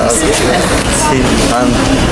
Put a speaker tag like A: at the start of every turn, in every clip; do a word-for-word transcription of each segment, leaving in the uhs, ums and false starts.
A: Sinan.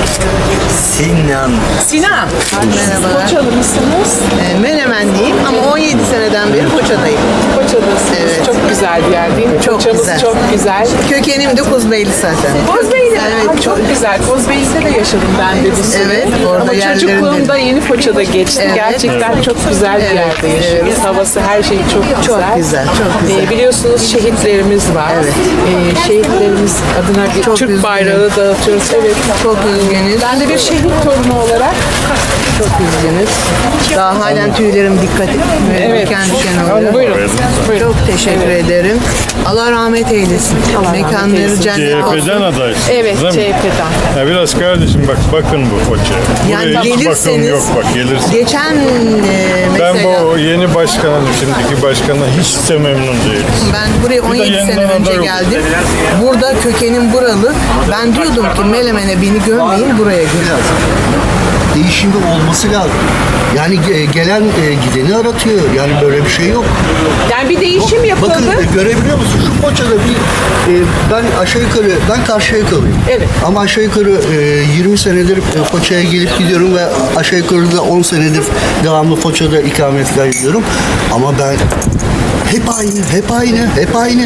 A: Sinan.
B: Sinan.
C: Merhabalar.
B: Foçalı mısınız?
C: E, Menemenliyim ama on yedi seneden beri Foça'dayım.
B: Foçalısınız.
C: Evet.
B: Çok güzel bir yer değil mi?
C: Çok
B: Foçamız
C: güzel.
B: çok güzel.
C: Kökenim de Kuzbeyli zaten.
B: Kozbeyli.
C: Evet,
B: Aa, çok güzel. Kozbeyli'de de yaşadım ben de bir süre.
C: Evet, orada
B: Ama
C: yerlerim
B: çocukluğumda
C: dedim.
B: Yeni Foça'da geçti.
C: Evet.
B: Gerçekten çok güzel bir
C: Evet,
B: yerde yaşıyoruz.
C: evet.
B: Havası, her şey çok güzel.
C: Çok güzel, çok güzel.
B: Ee, biliyorsunuz şehitlerimiz var.
C: Evet.
B: Ee, şehitlerimiz adına bir
C: Çok
B: Türk
C: üzgünüm.
B: bayrağı dağıtıyoruz. Evet.
C: Çok üzgünüz.
B: Ben de bir şehit torunu olarak
C: Çok üzgünüz. Daha halen tüylerim dikkat
B: Evet.
C: diken diken oluyor.
B: Buyurun. Buyurun.
C: Çok teşekkür ederim. Allah rahmet eylesin.
B: Allah rahmet
C: Mekanları
B: eylesin.
C: cennet
D: C H P'den
C: olsun.
D: adaysınız
B: Evet,
D: değil mi?
B: C H P'den.
D: Ya biraz kardeşim bak bakın bu Foça'ya.
C: Yani
D: Buraya hiç bakım
C: gelirseniz,
D: yok bak gelirsiniz.
C: geçen e,
D: Ben
C: mesela
D: bu yeni başkanın, şimdiki başkanla hiç de memnun değilim.
C: ben buraya on
D: Bir de
C: yedi
D: yeniden
C: sene önce
D: aday oldu.
C: geldim. Burada kökenim buralı. Ben diyordum ki Melemen'e beni gömmeyin, buraya gömün.
E: Değişimi olması lazım. Yani ge- gelen e, gideni aratıyor. Yani böyle bir şey yok.
B: Yani bir değişim yapıldı.
E: Bakın e, görebiliyor musun? Şu Foça'da bir e, ben aşağı yukarı ben Karşıyaka'lıyım.
B: Evet.
E: Ama aşağı yukarı e, yirmi senedir e, Foça'ya gelip gidiyorum ve aşağı yukarı da on senedir devamlı Foça'da ikametgah ediyorum. Ama ben hep aynı, hep aynı, hep aynı.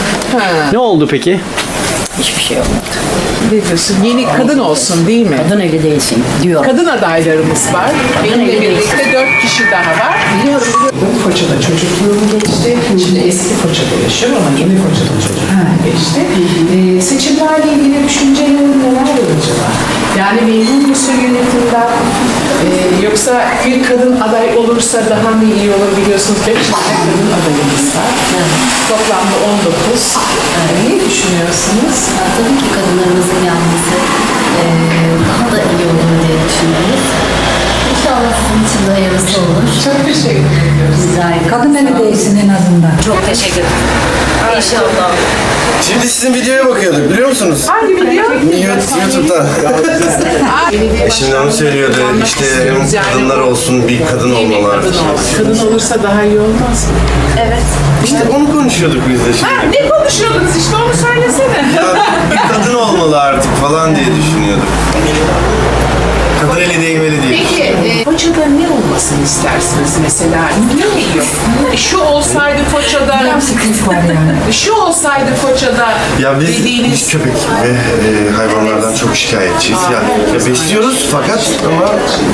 F: Ne oldu peki?
G: Hiçbir şey olmadı.
B: Ne diyorsun? Yeni kadın olsun değil mi?
G: Kadın eli değilsin diyor.
B: Kadın adaylarımız var. Benimle
G: eli
B: birlikte dört kişi daha var. Biliyorum. Foça'da çocukluğum geçti. Şimdi eski Foça'da yaşıyorum ama yeni Foça'da çocukluğum geçti. Ee, seçimlerle ilgili düşüncelerin neler acaba? Yani memnun musun yönetimden? Ee, yoksa bir kadın aday olursa daha mı iyi olur biliyorsunuz? Beş tane kadın adayımız var. Toplamda on dokuz. Ee, ne düşünüyorsunuz?
G: Ya, tabii ki kadınlarımızın gelmesi eee, daha da iyi olur diye düşünüyoruz. İnşallah sizin için de hayırlısı olur.
B: Çok teşekkür ediyoruz.
G: Rica ederim.
H: Kadın eli değilsin en azından.
G: Çok teşekkür ederim. İnşallah.
I: Şimdi sizin videoya bakıyorduk biliyor musunuz?
B: Hangi video?
I: YouTube'da. E şimdi onu söylüyordu işte hem kadınlar olsun bir kadın olmalar.
B: Kadın, olsun. Kadın olursa daha iyi olmaz mı?
G: Evet.
I: İşte onu konuşuyorduk biz de
B: Ha,
I: şimdi.
B: ne konuşuyordunuz işte onu söylesene.
I: Ya bir kadın olmalı artık falan diye düşünüyorduk. Kadın eli değmeli diye.
B: Peki, e, Foça'da ne olmasını istersiniz mesela? Ne yok? Şu olsaydı Foça'da,
H: Sıkıntı var yani.
B: şu olsaydı Foça'da
I: Ya biz,
B: dediğiniz...
I: biz köpek ve e, hayvanlardan çok şikayetçiyiz. Yani ya besliyoruz fakat ama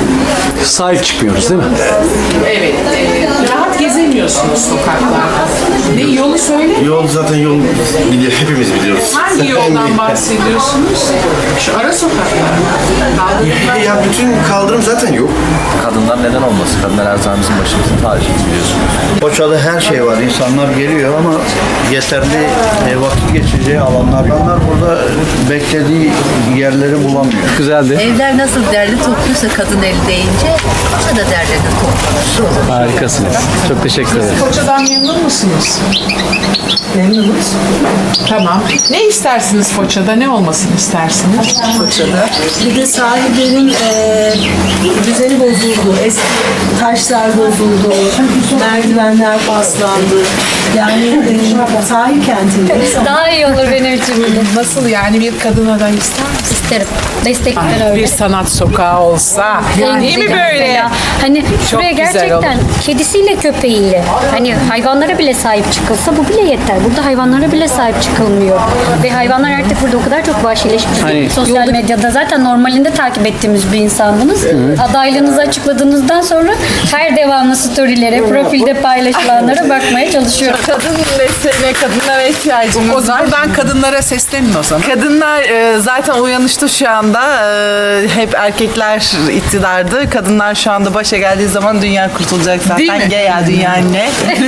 F: Sahip çıkmıyoruz değil mi?
B: Evet, e, rahat gezemiyorsunuz sokaklarda. Ne yolu söyle?
I: yol zaten yol biliyor, hepimiz biliyoruz.
B: Hangi yoldan bahsediyorsunuz? Şu ara sokaklar. Kaldırımlar.
I: Ya bütün kaldırım zaten yok.
A: Kadınlar neden olmasın? Kadınlar her zaman bizim başımızın tacı biliyorsunuz.
E: Foça'da her şey var. İnsanlar geliyor ama yeterli e, vakit geçireceği alanlar yok. İnsanlar burada beklediği yerleri bulamıyor.
F: Güzeldi.
G: Evler nasıl derli topluyorsa kadın eli deyince Foça da derlerini toplanır.
F: Harikasınız. Çok teşekkür ederim.
B: Foça'dan memnun musunuz? Memnunuz. Tamam. Ne istersiniz Foça'da? Ne olmasını istersiniz?
H: Foça'da. Bir de sahillerin eee düzeni bozuldu. Eski taşlar bozuldu. Merdivenler paslandı. Yani eee sahil kentindeyiz.
J: Daha iyi olur benim için.
B: Nasıl yani bir kadın aday ister misiniz?
J: İsterim. Destekler öyle.
B: Bir sanat sokağı olsa. Değil mi böyle?
J: Mesela, hani şuraya
B: güzel
J: gerçekten kedisiyle köpeğiyle hani hayvanlara bile sahip çıkılsa bu bile yeter. Burada hayvanlara bile sahip çıkılmıyor. Ve hayvanlar artık burada o kadar çok vahşileşmiş. ki
F: Hani-
J: Sosyal medyada zaten normalinde takip ettiğimiz bir insandınız. Adaylığınızı açıkladığınızdan sonra her devamlı storylere, profilde paylaşılanlara bakmaya çalışıyorum.
B: Kadın mesele, kadınlara ihtiyacımız var. Buradan kadınlara seslenin o zaman.
K: Kadınlar e, zaten uyanıştı şu anda. E, hep erkekler iktidardı. Kadınlar şu anda başa geldiği zaman dünya kurtulacak
B: Değil mi?
K: zaten. Gel ya dünya anne.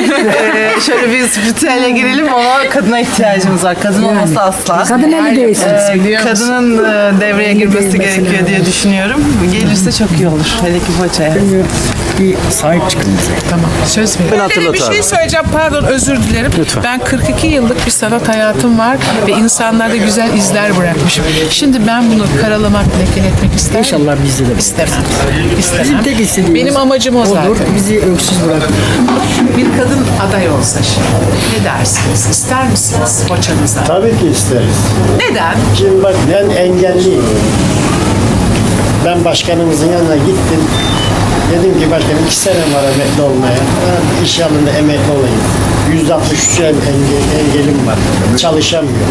K: e, şöyle bir spiritüele girelim ama kadına ihtiyacımız var. Kadın olmasa asla.
H: Kadın eli değilsin.
K: E,
B: Biliyor musun?
K: kadının e, devreye girmesi gerekiyor diye düşünüyorum. Gelirse çok iyi olur. Hele ki Foça'ya.
L: bir sahip çıkın bize.
B: Tamam, söz veriyorum.
F: hatırlat
B: Bir
F: abi.
B: şey söyleyeceğim, pardon, özür dilerim.
F: Lütfen.
B: Ben kırk iki yıllık bir sanat hayatım var ve insanlarda güzel izler bırakmışım. Şimdi ben bunu karalamak, lekeletmek ister miyim?
L: İnşallah bizde de.
B: İstemem. İstemem.
L: Bizim tek istediğimiz
B: Benim amacım o zaten.
L: olur, bizi öksüz bırakın.
B: Bir kadın aday olsa şimdi ne dersiniz? İster misiniz Foça'nıza?
M: Tabii ki isteriz.
B: Neden?
M: Şimdi bak ben engelliyim. Ben başkanımızın yanına gittim. Dedim ki başkanım iki sene var emekli olmaya. Ben iş yanında emekli olayım. yüzde altmış üç engel, engelim var. Çalışamıyorum.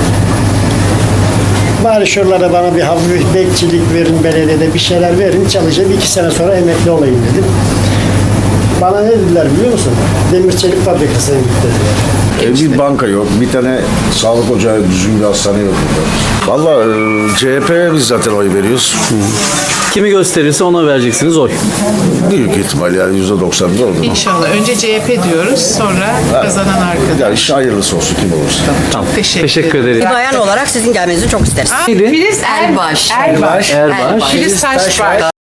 M: Bari şuralara bana bir hafif bekçilik verin, belediyede bir şeyler verin, çalışayım. iki sene sonra emekli olayım dedim. Bana ne dediler biliyor musun? Demir çelik fabrikasına git dediler.
N: E, bir banka yok, bir tane sağlık ocağı, düzgün bir hastane yok burada. Valla e, C H P'ye biz zaten oy veriyoruz.
F: Kimi gösterirse ona vereceksiniz oy.
N: Büyük ihtimal yani yüzde doksan da olur.
B: İnşallah. Önce C H P diyoruz, sonra kazanan arkadaş.
N: Yani iş hayırlısı olsun kim olursa.
F: Tamam.
B: Teşekkür,
F: Teşekkür ederim.
H: Bir bayan olarak sizin gelmenizi çok isteriz.
F: Neydi?
B: Filiz
H: Erbaş.
B: Erbaş.
F: Erbaş.
B: Filiz Taşbaş.